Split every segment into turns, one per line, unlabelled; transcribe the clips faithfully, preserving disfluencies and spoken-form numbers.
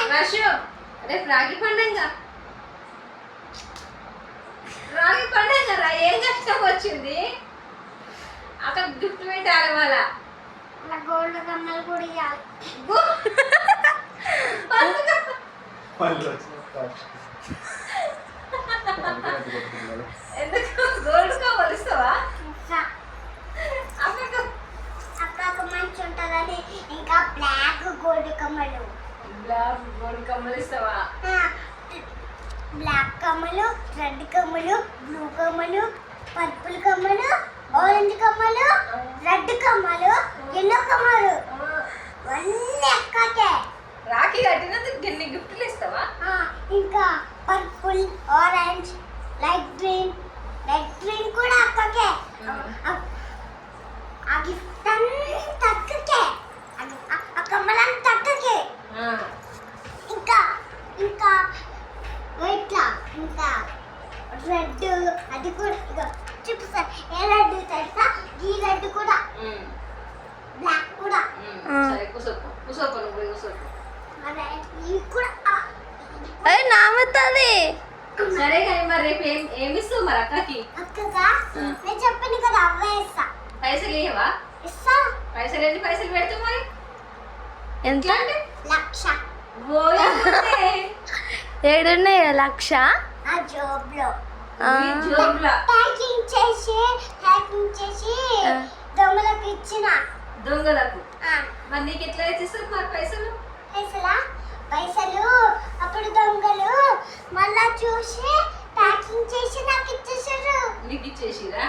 రషు రేపు రాగి పండుగ రాగి పండుగ రా ఏం కష్టం వచ్చింది అక్కడ గిఫ్ట్ పెట్టాలి వాళ్ళ
గోల్డ్ కమ్మలు కూడా ఇవ్వాలి.
ఎందుకు గోల్డ్ కమ్మలు ఇస్తావా?
అక్క మంచి ఉంటుందని ఇంకా బ్లాక్ గోల్డ్ కమ్మలు.
బ్లాక్ గోల్డ్ కమ్మలు ఇస్తావా?
బ్లాక్ కమ్మలు, రెడ్ కమ్మలు, బ్లూ కమ్మలు, పర్పుల్ కమ్మలు, ఆరెంజ్ కమ్మలు, రెడ్ కమ్మలు, ఎల్లో కమ్మలు అన్నీ అక్కకే.
రాఖీ కట్టినందుకు ఎన్ని గిఫ్ట్లు ఇస్తావా?
ఇంకా purple, orange, light green, light green కూడా అక్కకే. ఆ గిఫ్ట్ అంతా అక్కకే, ఆ కమ్మలంతా అక్కకే. ఇంకా ఇంకా ఇట్లా ఇంకా రెడ్ అది కూడా ఇక చూపిస్తా. ఏ రెడ్ తెలుసా? ఈ రెడ్ కూడా, బ్లాక్ కూడా.
సరే కూసోపు కూసోపు నువ్వు కూసోపు.
అదే ఇవి కూడా
అరే నామవుతుంది.
సరే కానీ మరి రేపు ఏం ఏమి ఇస్తావు మరి అక్కకి?
అక్కగా నేను చెప్పాను కదా అవే ఇస్తా.
పైసలు ఇవ్వవా?
ఇస్తా.
పైసలు ఎన్ని పైసలు పెడతావు మరి?
ఎంత?
లక్ష.
ఏడున్నాయి లక్ష
ఆ జోబ్లో
జోబులా
ప్యాకింగ్ చేసి ప్యాకింగ్ చేసి దొంగలకు ఇచ్చిన.
దొంగలకు? మరి నీకు ఎట్లా ఇస్తారు మరి పైసలు?
పైసలా? పైసలు అప్పుడు దొంగలు మళ్ళా చూసి ప్యాకింగ్ చేసి నాకు ఇచ్చేసారు.
నీకు ఇచ్చేసిరా?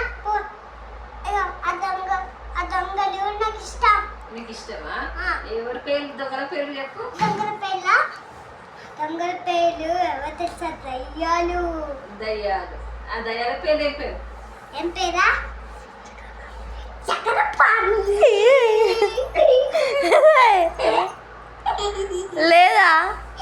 ఆ దొంగ ఆ దొంగలు నాకు ఇష్టం.
నీకు ఇష్టమా? ఎవరి పేర్లు దొంగల పేర్లు చెప్పు.
దొంగల పేర్ల దొంగల పేర్లు ఎవరు తెలుసా? దయ్యాలు.
దయ్యాలు. ఆ దయ్యాల పేర్లు ఏం పేరు?
ఏం పేరా? చక్రపాణి.
లేదా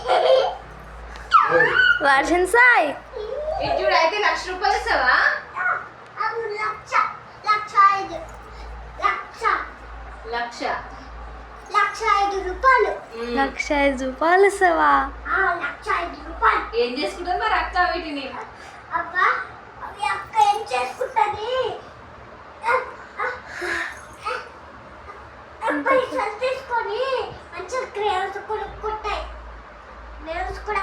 వర్షం సాయి
ఇటు అయితే లక్ష రూపాయలు ఇస్తావా?
లక్ష లక్ష ఐదు లక్ష
లక్ష
లక్ష ఐదు రూపాయలు.
లక్ష ఐదు రూపాయలు ఇస్తావా?
లక్ష ఐదు రూపాయలు.
ఏం చేసుకుంటావు మరి అక్క వీటిని?
అబ్బా అవి అక్క ఏం చేసుకుంటది? పైసలు తీసుకొని మంచిగా క్రేవ్స్ కొనుక్కుంటాయి. క్రేవ్స్ కూడా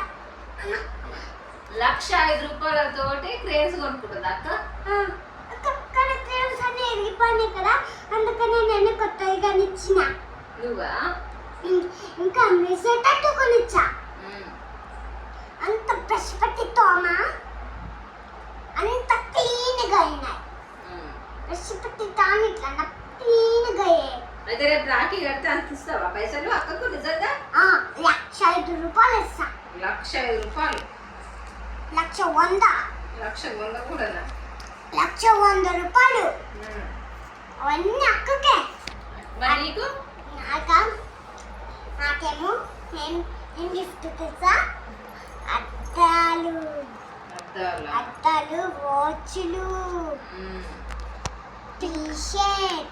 లక్ష ఐదు రూపాయలతోటి క్రేజ్ కొనుక్కుంటుంది అక్క.
అక్కడ క్రేవ్స్ అన్ని ఎరిగిపోయినాయి కదా, అందుకని నేను కొత్తగా ఇచ్చిన.
నువ్వా?
ఇంకా మెసేటట్టు కొనిచ్చా. అంత బ్రష్ పెట్టి తోమ అంత క్లీన్గా అయినాయి. బ్రష్ పెట్టి తాను ఇట్లా క్లీన్గా అయ్యాయి.
అయితే రేపు రాఖీ కడితే అంత ఇస్తావా పైసలు అక్కకు? నిజంగా
లక్ష ఐదు రూపాయలు ఇస్తా.
లక్ష ఐదు రూపాయలు?
లక్ష వంద.
లక్ష వంద కూడా?
లక్ష వంద రూపాయలు అవన్నీ అక్కకే.
మరి నీకు?
నాక నాకేమో నేను ఏం గిఫ్ట్ తెలుసా? అద్దాలు. అద్దాలు, వాచ్లు, టీ షర్ట్,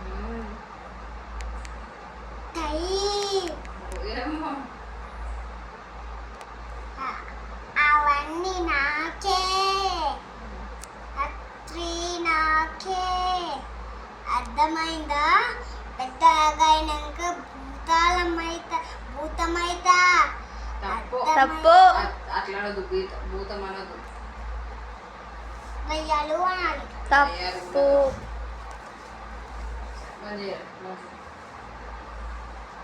టై, అవన్నీ నాకే. అత్రి నాకే. అర్థమైందా? పెద్దగా అయినాక భూతాలమైత భూతమైతా.
తప్పు.
అట్లా అనదు, భూతం అనదు,
దయ్యాలు అనాలి.
తప్పు.
మంచిగా